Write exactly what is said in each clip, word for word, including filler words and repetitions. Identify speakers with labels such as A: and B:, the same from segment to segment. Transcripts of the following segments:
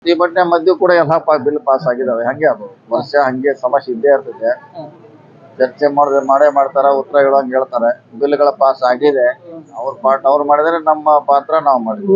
A: ಪ್ರತಿಭಟನೆ ಮಧ್ಯೆ ಕೂಡ ಎಲ್ಲ ಬಿಲ್ ಪಾಸ್ ಆಗಿದಾವೆ. ಹಂಗೆ ಅದು ವರ್ಷ ಹಂಗೆ ಸಮಸ್ಯೆ ಇದ್ದೇ ಇರ್ತದೆ. ಚರ್ಚೆ ಮಾಡಿದ್ರೆ ಮಾಡೇ ಮಾಡ್ತಾರ, ಉತ್ತರ ಹೇಳುವಂಗೆ ಹೇಳ್ತಾರೆ. ಬಿಲ್ಗಳ ಪಾಸ್ ಆಗಿದೆ, ಅವ್ರ ಪಾಠ ಅವ್ರು ಮಾಡಿದ್ರೆ ನಮ್ಮ ಪಾತ್ರ ನಾವು ಮಾಡಿದ್ವಿ.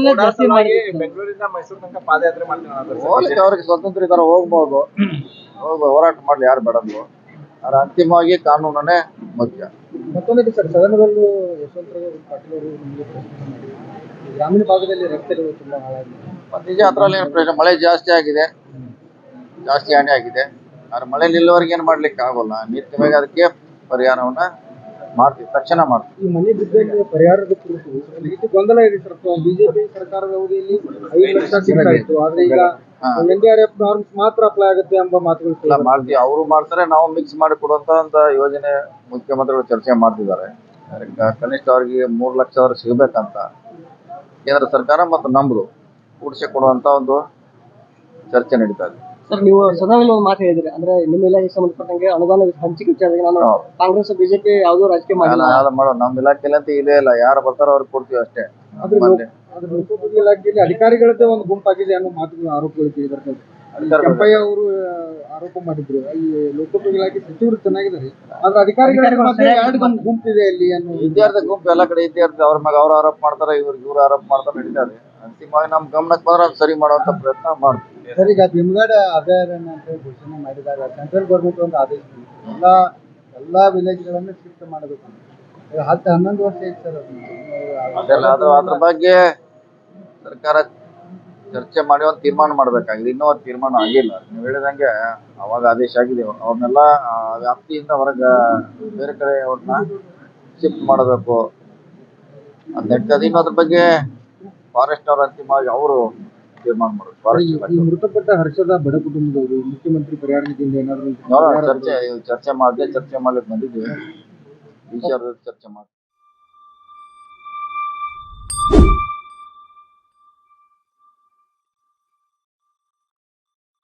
B: ಬೆಂಗಳೂರಿಂದ ಮೈಸೂರು ತನಕ ಪಾದಯಾತ್ರೆ ಮಾಡ್ತೀವಿ.
A: ಹೋಗ್ಲಿಕ್ಕೆ ಅವ್ರಿಗೆ ಸ್ವತಂತ್ರ ಇದಾರೆ, ಹೋಗ್ಬೋದು, ಹೋಗಿ ಹೋರಾಟ ಮಾಡ್ಲಿ, ಯಾರು ಬೇಡದು. ಆದ್ರೆ ಅಂತಿಮವಾಗಿ ಕಾನೂನನ್ನೇ ಮುಖ್ಯ.
C: ಮತ್ತೊಂದು ಸರ್, ಸದನದಲ್ಲೂ ಯಶವಂತರಾವ್ ಪಾಟೀಲ್ ಅವರು ನಿಮಗೆ ಪ್ರಶ್ನೆ ಮಾಡಿ, ಗ್ರಾಮೀಣ ಭಾಗದಲ್ಲಿ ರಸ್ತೆಗಳು ತುಂಬಾ ಹಾಳಾಗಿದೆ.
A: ನಿಜ, ಅದ್ರಲ್ಲಿ ಏನು ಪ್ರಶ್ನೆ, ಮಳೆ ಜಾಸ್ತಿ ಆಗಿದೆ, ಜಾಸ್ತಿ ಹಾನಿ ಆಗಿದೆ. ಆದ್ರೆ ಮಳೆ ನಿಲ್ಲುವವರೆಗೆ ಏನು ಮಾಡ್ಲಿಕ್ಕೆ ಆಗೋಲ್ಲ. ನಿತ್ಯವಾಗಿ ಅದಕ್ಕೆ ಪರಿಹಾರವನ್ನ ಮಾಡ್ತೀವಿ, ತಕ್ಷಣ ಮಾಡ್ತೀವಿ.
C: ಈ ಮನೆ ಬಿದ್ದಕ್ಕೆ ಪರಿಹಾರದ ಕುರಿತು ಇದು ಗೊಂದಲ ಇದೆ ಸರ್. ಬಿಜೆಪಿ ಸರ್ಕಾರದ ಅವಧಿಯಲ್ಲಿ ಐದು ಲಕ್ಷ ಸಿಗ್ತಾ ಇತ್ತು, ಆದ್ರೆ ಈಗ N D R F norms ಮಾತ್ರ ಅಪ್ಲೈ ಆಗುತ್ತೆ ಎಂಬ ಮಾತುಗಳು
A: ಮಾಡ್ತೀವಿ. ಅವರು ಮಾಡ್ತಾರೆ, ನಾವು ಮಿಕ್ಸ್ ಮಾಡಿ ಕೊಡುವಂತ ಒಂದು ಯೋಜನೆ ಮುಖ್ಯಮಂತ್ರಿಗಳು ಚರ್ಚೆ ಮಾಡ್ತಿದ್ದಾರೆ. ಕನಿಷ್ಠ ಅವ್ರಿಗೆ ಮೂರು ಲಕ್ಷ ಅವ್ರಿಗೆ ಸಿಗಬೇಕಂತ ಕೇಂದ್ರ ಸರ್ಕಾರ ಮತ್ತು ನಮ್ದು ಕೂಡಿಸಿ ಕೊಡುವಂತ ಒಂದು ಚರ್ಚೆ ನಡೀತಾ ಇದೆ.
C: ಸರ್, ನೀವು ಸದನದಲ್ಲಿ ಒಂದು ಮಾತು ಹೇಳಿದ್ರಿ, ಅಂದ್ರೆ ನಿಮ್ಮ ಇಲಾಖೆಗೆ ಸಂಬಂಧಪಟ್ಟಂಗೆ ಅನುದಾನ ಹಂಚಿಕೆ ವಿಚಾರದಲ್ಲಿ ನಾನು ಕಾಂಗ್ರೆಸ್ ಬಿಜೆಪಿ ಯಾವುದೋ ರಾಜಕೀಯ ಮಾಡಿಲ್ಲ,
A: ಯಾವ್ದು ಮಾಡೋ ನಮ್ಮ ಇಲಾಖೆಯಲ್ಲಿ ಅಂತ ಇದೇ ಇಲ್ಲ. ಯಾರು ಬರ್ತಾರೋ ಅವ್ರಿಗೆ ಕೊಡ್ತೀವಿ ಅಷ್ಟೇ.
C: ಲೋಕೋಪಯೋಗಿ ಇಲಾಖೆಯಲ್ಲಿ ಅಧಿಕಾರಿಗಳದ್ದೇ ಒಂದು ಗುಂಪಾಗಿದೆ ಅನ್ನೋ ಮಾತುಗಳು ಆರೋಪಗಳು ಕೇಳಿದ್ದಾರೆ. ಕೆಂಪಯ್ಯ ಅವರು ಆರೋಪ ಮಾಡಿದ್ರು, ಈ ಲೋಕೋಪಯೋಗಿ ಇಲಾಖೆ ಸಚಿವರು ಚೆನ್ನಾಗಿದ್ದಾರೆ, ಆದ್ರೆ ಅಧಿಕಾರಿಗಳ ಎರಡು ಗುಂಪಿದೆ ಅಲ್ಲಿ ಅನ್ನೋ.
A: ವಿದ್ಯಾರ್ಥಿ ಗುಂಪು ಎಲ್ಲ ಕಡೆ ವಿದ್ಯಾರ್ಥಿ ಅವ್ರ ಮ್ಯಾಗ ಅವ್ರು ಆರೋಪ ಮಾಡ್ತಾರೆ, ಇವ್ರಿಗೆ ಇವ್ರು ಆರೋಪ ಮಾಡ್ತಾರೆ, ನಡೀತಾರೆ. ಅಂತಿಮವಾಗಿ ನಮ್ ಗಮನಕ್ಕೆ ಬಂದ್ರೆ ಅದು ಸರಿ ಮಾಡುವಂತ ಪ್ರಯತ್ನ ಮಾಡ್ತೀವಿ.
C: ಸರ್, ಈಗ ಭೀಮಗಡ ಅಭಯಾರಣ್ಯ ಅಂತ ಘೋಷಣೆ ಮಾಡಿದಾಗ ಸೆಂಟ್ರಲ್ ಗೌರ್ಮೆಂಟ್ ಒಂದು ಆದೇಶ ಎಲ್ಲ ಎಲ್ಲಾ ವಿಲೇಜ್ಗಳನ್ನು ಶಿಫ್ಟ್ ಮಾಡಬೇಕು. ಹತ್ತು ಹನ್ನೊಂದು ವರ್ಷ ಐತೆ ಸರ್
A: ಅದೆಲ್ಲ. ಅದು ಅದ್ರ ಬಗ್ಗೆ ಸರ್ಕಾರ ಚರ್ಚೆ ಮಾಡಿ ಒಂದು ತೀರ್ಮಾನ ಮಾಡ್ಬೇಕಾಗಿದೆ. ಇನ್ನೂ ಒಂದು ತೀರ್ಮಾನ ಆಗಿಲ್ಲ. ನೀವು ಹೇಳಿದಂಗೆ ಅವಾಗ ಆದೇಶ ಆಗಿದೆ, ಅವ್ರನ್ನೆಲ್ಲ ವ್ಯಾಪ್ತಿಯಿಂದ ಹೊರಗೆ ಬೇರೆ ಕಡೆ ಅವ್ರನ್ನ ಶಿಫ್ಟ್ ಮಾಡಬೇಕು ಅಂತ ನಡೀತದೆ. ಇನ್ನು ಅದ್ರ ಬಗ್ಗೆ ಫಾರೆಸ್ಟ್ ಅವ್ರ ಅಂತಿಮವಾಗಿ ಅವರು ತೀರ್ಮಾನ ಮಾಡಬೇಕು.
C: ಈ ಮೃತಪಟ್ಟ ಹರ್ಷದ ಬಡ ಕುಟುಂಬದವರು ಮುಖ್ಯಮಂತ್ರಿ ಪರಿಹಾರ ನಿಧಿಯಿಂದ ಏನಾದ್ರು
A: ಚರ್ಚೆ ಚರ್ಚೆ ಮಾಡದೆ ಚರ್ಚೆ ಮಾಡ್ಲಿಕ್ಕೆ ಬಂದಿದ್ದೀವಿ. ವಿಚಾರದ ಚರ್ಚೆ ಮಾಡಿ